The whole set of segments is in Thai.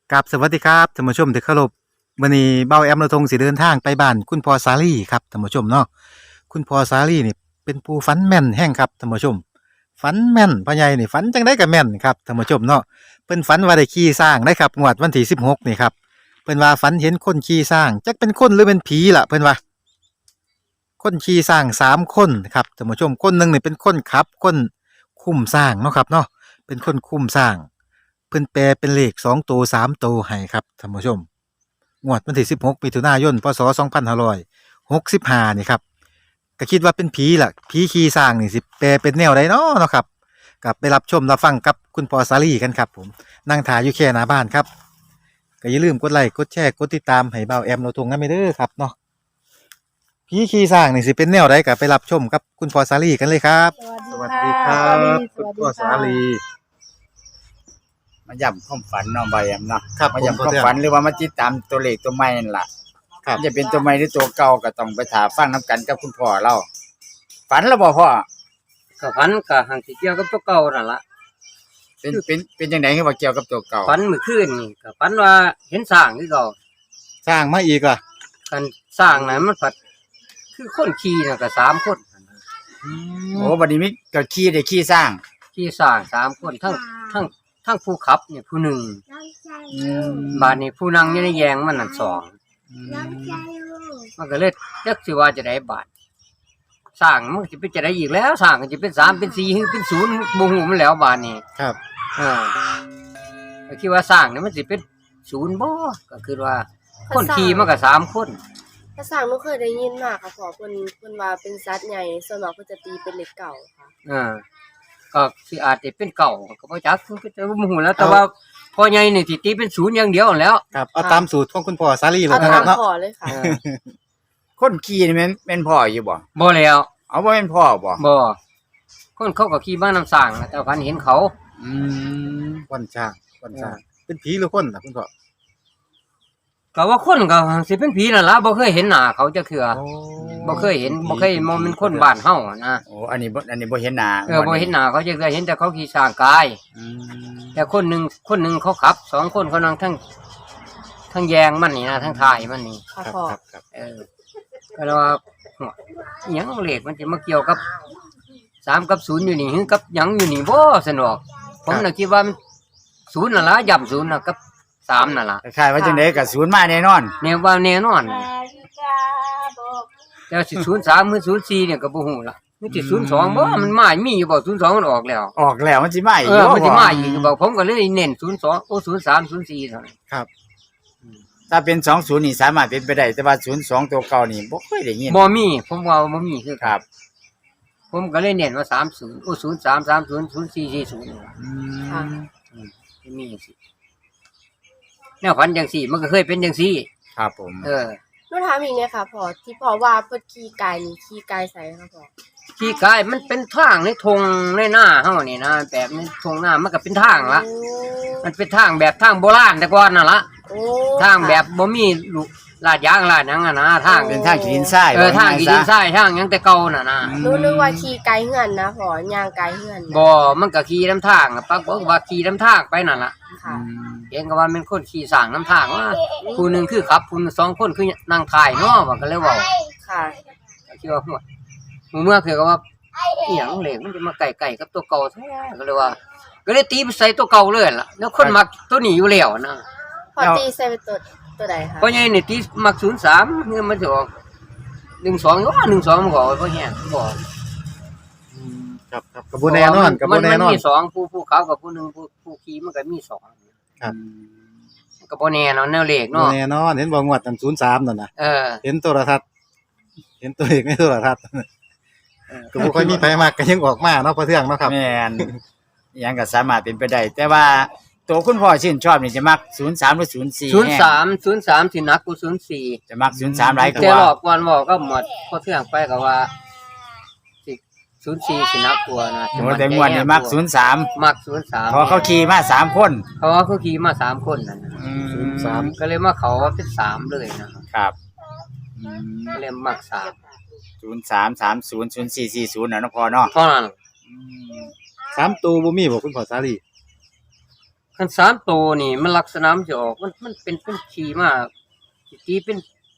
กับสวัสดีครับท่านผู้ชมที่เคารพวันนี้เบ้าแอมเราทงสิเดินทางไปบ้านคุณพ่อสาลีครับท่านผู้ชมเนาะคุณพ่อสาลีนี่เป็นผู้ฝันแม่นแห่งครับท่านผู้ชมฝันแม่นพ่อใหญ่นี่ฝันจังได้ก็แม่นครับท่านผู้ชมเนาะเพิ่นฝันว่าได้ขี่ช้างได้ครับงวดวันที่16นี่ครับเพิ่นว่าฝันเห็นคนขี่ช้างจักเป็นคนหรือเป็นผีล่ะเพิ่นว่าคนขี่ช้าง3 คนครับท่านผู้ชมคนหนึงนี่เป็นคนขับคนคุมช้างเนาะครับเนาะเป็นคนคุมช้าง เพิ่นแปลเป็นเลข2ตัว3ตัวให้ครับท่านผู้ชมงวดวันที่16มิถุนายนพศ2565นี่ครับก็คิดว่าเป็นผีล่ะผีขี่ช้างนี่สิแปลเป็นแนวใดเนาะครับกลับไปรับชมรับฟังกับคุณปอสาลีกันครับผมนั่งถ่ายอยู่แค่หน้าบ้านครับก็อย่าลืมกดไลค์กดแชร์กดติดตามให้เบาแอมเราทงนำเด้อครับเนาะผีขี่ช้างนี่สิเป็นแนวใดก็ไปรับชมกับคุณปอสาลีกันเลยครับสวัสดีครับคุณปอสาลีมาย้ำความฝันเนาะใบแอมเนาะครับมาย้ำความฝันหรือว่ามาติดตามตัวเลขตัวใหม่นั่นล่ะครับจะเป็นตัวใหม่หรือตัวเก่าก็ต้องไปถามฟังน้ำกันกับคุณพ่อเราฝันแล้วบ่พ่อก็ฝันก็หังสิเกี่ยวกับตัวเก่านั่นล่ะเป็นจังได๋คือว่าเกี่ยวกับตัวเก่าฝันเมื่อคืนนี่ก็ฝันว่าเห็นสร้างคือเก่าสร้างมาอีกอ่ะกันสร้างนั้นมันผัดคือคนขี่น่ะก็3 คนโอ้บัดนี้มีก็ขี่ได้ขี่สร้างขี่สร้าง3 คนทั้งผู้ขับเนี่ยผู้หนึ่งบาดนี้ผู้นั่งอยู่ในแยงมันนั่น2มันก็เลยจักสิว่าจะได้บาดสร้างมันสิเป็นจะได้อีกแล้วสร้างก็สิเป็น3เป็น4หรือเป็น0บ่ฮู้มันแล้วบาดนี้ครับก็คิดว่าสร้างนี่มันสิเป็น0บ่ก็คือว่าคนขี่มันก็3 คนภาษาหนูเคยได้ยินมาค่ะพ่อเพิ่นว่าเป็นสัตว์ใหญ่ส่วนมากเพิ่นจะตีเป็นเลขเก่าค่ะก็สิอาจจะเป็นเก่าก็บ่จักคือจะบ่ฮู้แล้วแต่ว่าพ่อใหญ่นี่สิตีเป็น0อย่างเดียวนั่นแหล้วครับเอาตามสูตรของคุณพ่อสาลีเลเอายนะคตารับมเนาะพ่อเลยค่ะคนขี่นี่แม่นพ่ออยู่บ่บ่แล้วเอาบ่แม่นพ่อบ่บ่คนเขาก็ขี่มานํสร้างนะแต่พันเห็นเขาอืมวันช้างเป็นผีหรือคนล่ะคุณพ่อก็ว่าคนก็สิเป็นผีนั่นล่ะบ่เคยเห็นหน้าเขาจักเทื่อบ่เคยเห็นบ่เคยมองเป็นคนบ้านเฮานะโอ้อันนี้บ่เห็นหน้าบ่เห็นหน้าเขาจักเทื่อเห็นแต่เขาขี่สร้างกายอืมแต่คนหนึงเขาขับ2 คนเขานั่งทั้งแยงมันนี่นะทั้งท้ายมันนี่ค่ะครับพ่อครับก็เลยว่าหัวอิหยังเลขมันจะมาเกี่ยวกับ3กับ0อยู่นี่หรือกับหยังอยู่นี่บ่สนอกผมน่ะคิดว่ามัน0นั่นล่ะย่ำ0น่ะกับ3นั่นล่ะคล้ายๆว่าจังได๋ก็ศูนย์มาแน่นอนแนวว่าแน่นอนแต่สิ03หรือ04เนี่ยก็บ่ฮู้ล่ะมันสิ02บ่มันมามีอยู่บ่02มันออกแล้วออกแล้วมันสิมาอีกมันสิมาอีกบ่ผมก็เลยเน้น02โอ้03 04เท่านั้นถ้าเป็น20นี่สามารถเป็นไปได้แต่ว่า02ตัวเก่านี่บ่เคยได้ยินบ่มีผมว่าบ่มีคือครับผมก็เลยเน้นว่า30โอ้03 30 04 40นี่ล่ะอืค่ะมจะมีจังซี่แนวฝันจังซี่มันก็เคยเป็นจังซี่ครับผมเออหนูถามอีกเนี่ยค่ะพ่อที่พ่อว่าเพิ่นขี่ไก่นี่ขี่ไก่ไสค่ะพ่อที่กายมันเป็นทางในทงในหน้าเฮานี่นะแบบในทงหน้ามันก็เป็นทางละโอ้มันเป็นทางแบบทางโบราณแต่ก่อนน่ะละโอ้ทางแบบบ่มีลูกลาดยางลาดหยังอะนะทางเป็นทางขีดินทรายทางกี่ดินทรายทางหยังแต่เก่าน่ะนะหนูนึกว่าขี่ไก่เฮือนนะพ่อย่างไก่เฮือนนะบ่มันก็ขี่นํทางอะปักบอกว่าขี่นํทางไปนั่นล่ะค่ะเห็นก็ว่าเป็นคนขี่สร้างนํทางว่าผู้หนึงคือขับผู้สองคนคือนั่งถ่ายเนาะว่าก็เลยเว้าค่ะคิดว่าหัวเมื่อคือก็ว่าอีหยังเหล็กมันจะมาไก่กับตัวเก่าแท้ก็เลยว่า ก็เลยตีไปใส่ตัวเก่าเลยล่ะแล้วคนมักตัวนี้อยู่แล้วนะพ่อตีใส่เป็นตัวใดคะเพราะไงนี่ตีมัก03เงินมันจะออก12ว่า12มันก็บ่แฮงบ่ครับกับบ่แน่นอนกับบ่แน่นอนมันมี2ผู้ขับกับผู้หนึงผู้ขี่มันก็มี2 ครับมันก็บ่แน่เนาะแนวเลขบ่เนาะแน่นอนเห็นบ่งวดนั้น03นั่นน่ะ เห็นโทรทัศน์เห็นตัวเลขในโทรทัศน์ก็บ่ค่อยมีไผมักก็ยังออกมาเนาะพอเทื่องเนาะครับแม่นอิหยังก็สามารถเป็นไปได้แต่ว่าตัวคุณพ่อชื่นชอบนี่จะมัก03หรือ04 03สิหนักกว่า04 จะมัก03หลายกแต่รว่าอบก่อนบอกก็หมดพอเที่ยงไปก็ว่าสิ04สินักกลัวนะโอ้แต่งวดนี้มัก03 มัก03 เพอเขาขี่มา3คนเพราะว่าเขาขี่มา3คนนั่นน่ะ 03 ก็เลยมาเขาว่าเป็น3เลยนะครับ ก็เลยมัก3 03300440น่ะเนาะพ่อเนาะเท่านั้น 3ตัวบ่มีบ่คุณพ่อสาลีคัน3ตัวนี่มันลักษณะมันจะออกมันเป็นขี่มาสิตีเป็น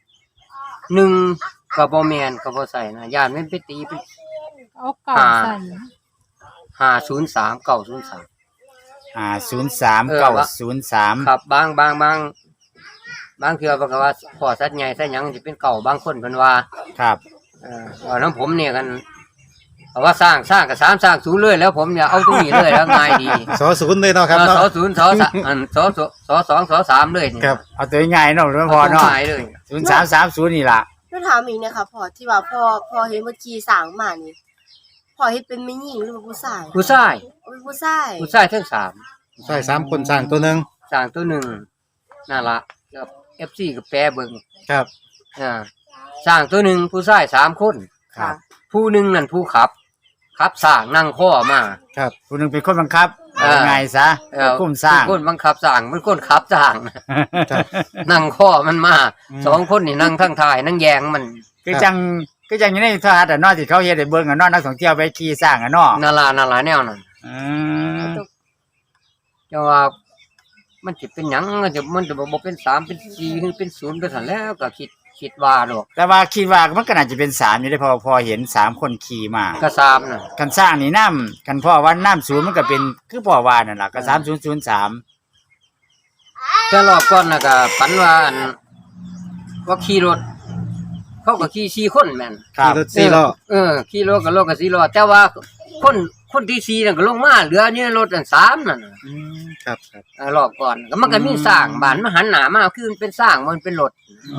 1ก็บ่แม่นก็บ่ใส่นะย่านมันไปตีเป็นเอาเก่าใส่ 503 903 503 903 ครับบางเทื่อก็ว่าพ่อสัตว์ใหญ่สัตว์หยังสิเป็นเก่าบางคนเพิ่นว่าครับเอาน้ำผมเนี่ยกันเอาว่าสร้างกับ3สร้าง0เลยแล้วผมอย่าเอาตรงนี้เลยแล้วง่ายดีสอศูนย์เลยเนาะครับสเนาะ 0ส3อันส2ส3เลยนี่ครับเอาตัวง่ายๆเนาะหลวงพ่อเนาะง่ายเลย 0330นี่ล่ะก็ถามอีกนะคะพ่อที่ว่าพ่อเห็นเมื่อกี้สร้างมานี่พ่อเฮ็ดเป็นแม่หญิงหรือว่าผู้ชายผู้ชายโอ้ยผู้ชายทั้ง3 ใช่3คนสร้างตัวหนึงสร้างตัวหนึ่งนั่นล่ะกับ FC กับแปรเบิ่งครับสร้างตัวหนึ่งผู้ชาย3คนค่ะผู้หนึงนั่นผู้ขับสร้างนั่งข้อมาครับผู้หนึงเป็นคนบังคับอ่าเอาง่ายซะคุ้มสร้างคนบังคับสร้างมันคนขับสร้างครับนั่งข้อมันมาอืม 2คนนี่นั่งทั้งท้ายนั่งแยงมันคือจังอยู่ในโทรทัศน์อะเนาะที่เขาเฮ็ดให้เบิ่งอะเนาะนักท่องเที่ยวไปขี่สร้างอะเนาะนั่นล่ะแนวนั้นอืมจังว่ามันสิเป็นหยังมันจะบ่เป็น3เป็น4หรือเป็น0ไปซั่นแล้วก็คิดว่าดอกแต่ว่าคิดว่ามันก็น่าจะเป็น3อยู่ได้เพอพอเห็น3คนขี่มาก็3น่ะกันสร้างนี่น้ำกันพ่อว่าน้ำศูนย์มันก็เป็นคือพ่อว่านั่นล่ะก็3003 แต่รอบก่อนน่ะก็ฝันว่าว่าขี่รถ เขาก็ขี่4คนแม่นครับขี่รถ4ล้อขี่รถก็4ล้อแต่ว่าคนที่4นั่นก็ลงมาเหลืออยู่ในรถอัน3นั่นน่ะครับรอบก่อนก็มันก็มีสร้างบ้านมันหันหน้ามาคือมันเป็นสร้างมันเป็นรถ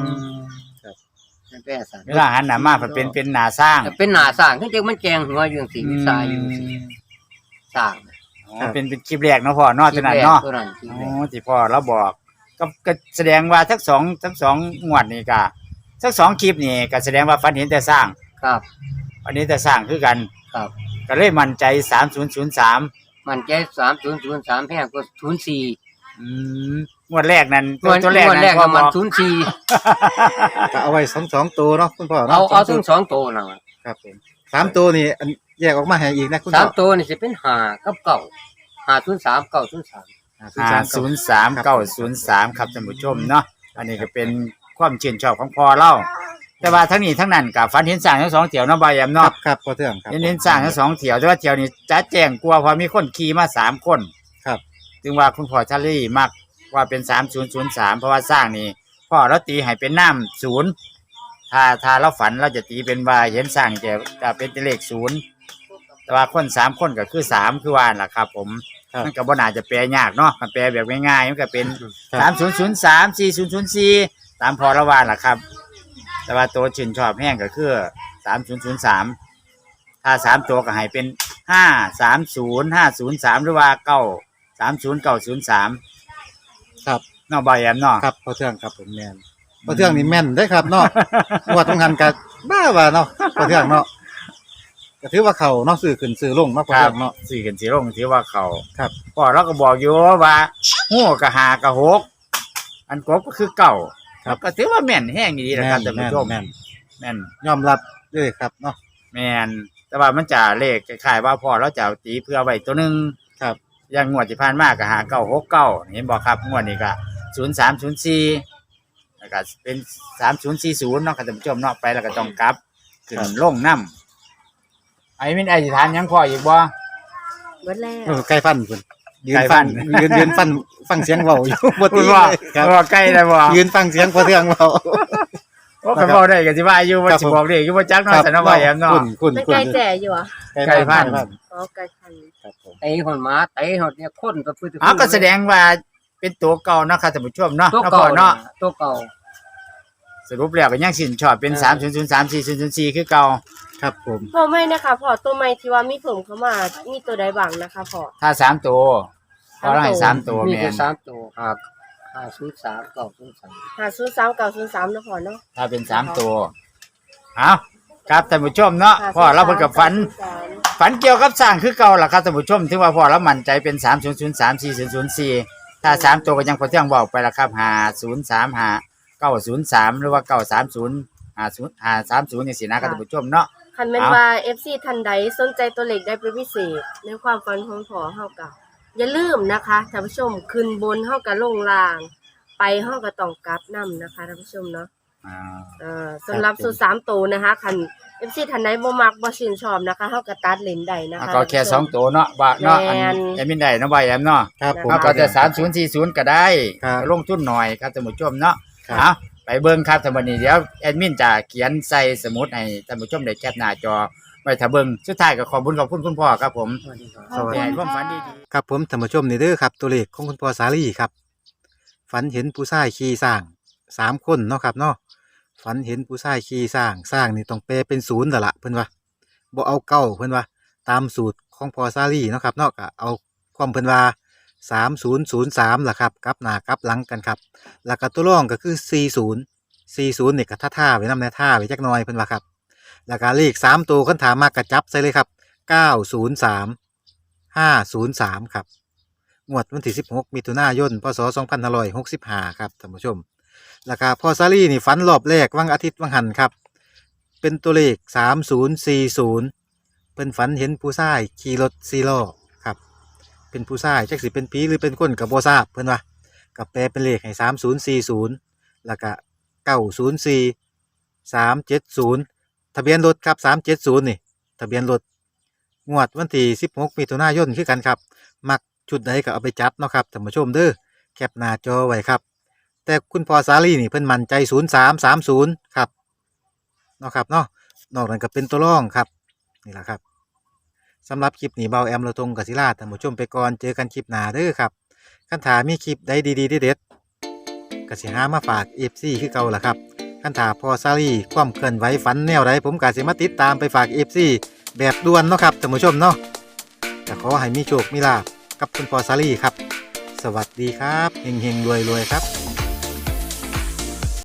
มันเป็นสร้างเวลาหันหน้ามาเพิ่นเป็นหน้าสร้างเป็นหน้าสร้างคือจังมันแกงหัวอยู่จังซี่มีสายอยู่จังซี่สร้างอ๋อเป็นคลิปแรกเนาะพ่อเนาะตัวนั้นเนาะตัวนั้นคลิปอ๋แรอก ที่พ่อเราบอกก็แสดงว่าทั้งสองงวดนี่ก็ทั้งสองคลิปนี่ก็แสดงว่าฝันเห็นแต่สร้างครับอันนี้แต่สร้างคือกันครับก็เลยมั่นใจ3003 มันใจ3003แพงกว่า04 อืมงวดแรกนั้นงวดตัวแรกงวดนั้นแรกพ่อก็บมันอก 04 ก็เอาไว้2ตัวเนาะคุณพ่อเอาเนาะเอาถึง2ตัวนั่นล่ะครับผม3ตัวนี่อันแยกออกมาให้อีกนะคุณพ่อ 3ตัวนี่สิเป็น5กับ9 503 903 503 903ครับท่านผู้ชมเนาะอันนี้ก็เป็นความชื่นชอบของพ่อเราแต่ว่าทั้งนี้ทั้งนั้นก็ฝันเห็นสร้างทั้งสองเที่ยวเนาะบ่ายแอมครัเนาะบครับพอเทื่องครับเห็นสร้างทั้งสองเที่ยวแต่ว่าเที่ยวนี้จะแจ้งกลัวเพอมีคนขี่มา3คนครับจึงว่าคุณพ่อชาลี่มักว่าเป็น3003เพราะว่าสร้างนี่พ่อเราตีให้เป็นน้ำศูนย์ถ้าเราฝันเราจะตีเป็นว่าเห็นสร้างจะเป็นเลข0แต่ว่าคน3คนก็คือ3คือว่าล่ะครับ ผมครับมันก็บ่น่าจะแปลยากเนาะมันแปลแบบง่ายๆมันก็เป็นครับ 3003 4004ตามพอละว่าล่ะครับ แต่ว่าตัวชื่นชอบแห้งก็คือ3003ถ้า3ตัวก็ให้เป็น530 503หรือว่า930 903 ครับเนาะบ่แอมเนาะครับพอเทื่องครับผมแม่นพอเทื่องนี่แม่นได้ครับเนาะ งวดต้องหันก็บ้าว่าเนาะพอเทื่องเนาะก็ถือว่าเขาเนาะซื้อขึ้นซื้อลงเนาะพอครัเทื่บองเนาะสี่กันสีลงถือว่าเขาครับพ่อเราก็บอกอยู่ว่าหู้กับหากับหกอันกบก็คือเก่าก็ถือว่าแม่นแห้งดีนะครับท่านผู้ชมแม่นแม่นยอมรับเลยครับเนาะแม่นแต่ว่ามันจะเลขคล้ายๆว่าพ่อเราจะเอาตีเพื่อไว้ตัวหนึงครับอย่างงวดที่ผ่านมาก็หา969เห็นบ่ครับงวดนี้ก็0304แล้วก็เป็น3040เนาะครับท่านผู้ชมเนาะไปแล้วก็ต้องกลับขึ้นลงนำไอ้มินไอ้สิถามหยังพ่ออีกบ่เบิดแล้วเออใกล้ฟันคุณยืนใกล้ฟัฟันนยืนฟังเสียงเว้าอยู่ บ่พูตีดว่าเลยครับว่าใกล้ได้บ่ยืนฟังเสียงพอเทื่องเว้าโอ้ก็บ่ได้ก็สิว่าอยู่ว่าสิบอกเลขอยู่บ่จักเนาะแต่เนาะว่าแอมเนาะคุณเป็นไก่แจ่อยู่อ่ะใกล้ฟันอ๋อไก่พันธุ์ครับผมไอ้คนหมาไอ้หดเนี่ยคนก็คืออ้าวก็แสดงว่าเป็นตัวเก่าเนาะครับท่านผู้ชมเนาะตัวเนาะเก่าพ่อเนาะตัวเก่าสรุปแล้วก็ยังสินชอบเป็น3003 4004คือเก่าครับผมพ่อไม่นะคะพ่อตัวใหม่ที่ว่ามีผมเข้ามามีตัวใดบ้างนะคะพ่อถ้า3ตัวพอเราให้3ตัวมีแม่แค่น 3ตัวครับ503 903 503 903นะพ่อเนาะถ้าเป็น3ตัวเอาครับท่านผู้ชมเนาะพ่อเราเพิ่นก็ฝันเกี่ยวกับสร้างคือเก่าล่ะครับท่านผู้ชมถึงว่าพ่อเรามั่นใจเป็น3003 4004ถ้า3ตัวก็ยังพอเที่ยงบอกไปล่ะครับ5035 903หรือว่า930 530จังซี่นะครับท่านผู้ชมเนาะคันแม่นว่า FC ท่านใดสนใจตัวเลขได้เป็นพิเศษในความฝันของพ่อเฮาก็อย่าลืมนะคะท่านผู้ชมขึ้นบนเฮาก็ลงล่าง ไปเฮาก็ต้องกลับนํนะคะท่านผู้ชมเนาะ สำหรับสูตร3ตัวนะคะคัน FC ท่านใดบ่มักบ่ชื่นชอบนะคะเฮาก็ตัดเลนได้นะคะก็แค่2ตัวเนาะว่าเนาะอันแม่นแอดมินได้เนาะว่าแอมเนาะครับผมเฮาก็จะ3040ก็ได้ครับลงทุนหน่อยครับท่านผู้ชมเนาะครับเอาไปเบิ่งครับท่านผู้นี้เดี๋ยวแอดมินจะเขียนใส่สมุดให้ท่านผู้ชมได้แคปหน้าจอไว้ถ้าเบิ่งสุดท้ายก็ขอบคุณคุณพ่อครับผมสวัสดีครับสวัสดีให้ความฝันดีครับผมท่านผู้ชมนี่เด้อครับตัวเลขของคุณพ่อสาลีครับฝันเห็นผู้ชายขี่สร้าง3 คนเนาะครับเนาะฝันเห็นผู้ชายขี่สร้างนี่ต้องแปลเป็นศูนย์แล้วล่ะเพิ่นว่าบ่เอาเก้าเพิ่นว่าตามสูตรของพ่อสาลีเนาะครับเนาะก็เอาความเพิ่นว่า3003ล่ะครับกลับหน้ากลับหลังกันครับแล้วก็ตัวรองก็คือ40นี่ก็ท่าๆไว้นำแน่ท่าไว้จักหน่อยเพิ่นว่าครับแล้วก็เลข3ตัวคันถามมากก็จับใส่เลยครับ903 503ครับงวดวันที่16มิถุนายนพศ2565ครับท่านผู้ชมแล้วก็พ่อซารี่นี่ฝันรอบแรกวันอาทิตย์วันหันครับเป็นตัวเลข3040เพิ่นฝันเห็นผู้ชายขี่รถ4ล้อครับเป็นผู้ชายจักสิเป็นผีหรือเป็นคนก็บ่ทราบเพิ่นว่าก็แปลเป็นเลขให้3040แล้วก็904 370ทะเบียนรถครับ370นี่ทะเบียนรถ งวดวันที่16มิถุนายนคือกันครับ มักชุดใดก็เอาไปจับเนาะครับท่านผู้ชมเด้อแคปหน้าจอไว้ครับ แต่คุณพ่อสาลีนี่เพิ่นมั่นใจ0330ครับเนาะครับเนาะนอกนั้นก็เป็นตัวรองครับนี่แหละครับสำหรับคลิปนี้เบาแอมเราทงกศิลาท่านผู้ชมไปก่อนเจอกันคลิปหน้าเด้อครับคันถามีคลิปใดดีๆเด็ดๆก็สิหามาฝาก FC คือเก่าล่ะครับคันถาพ่อสาลีความเคลื่อนไหวฝันแนวใดผมก็สิมาติดตามไปฝาก FC แบบด่วนเนาะครับท่านผู้ชมเนาะแต่ขอให้มีโชคมีลาภกับคุณพ่อสาลีครับ สวัสดีครับเฮงๆรวยๆครับ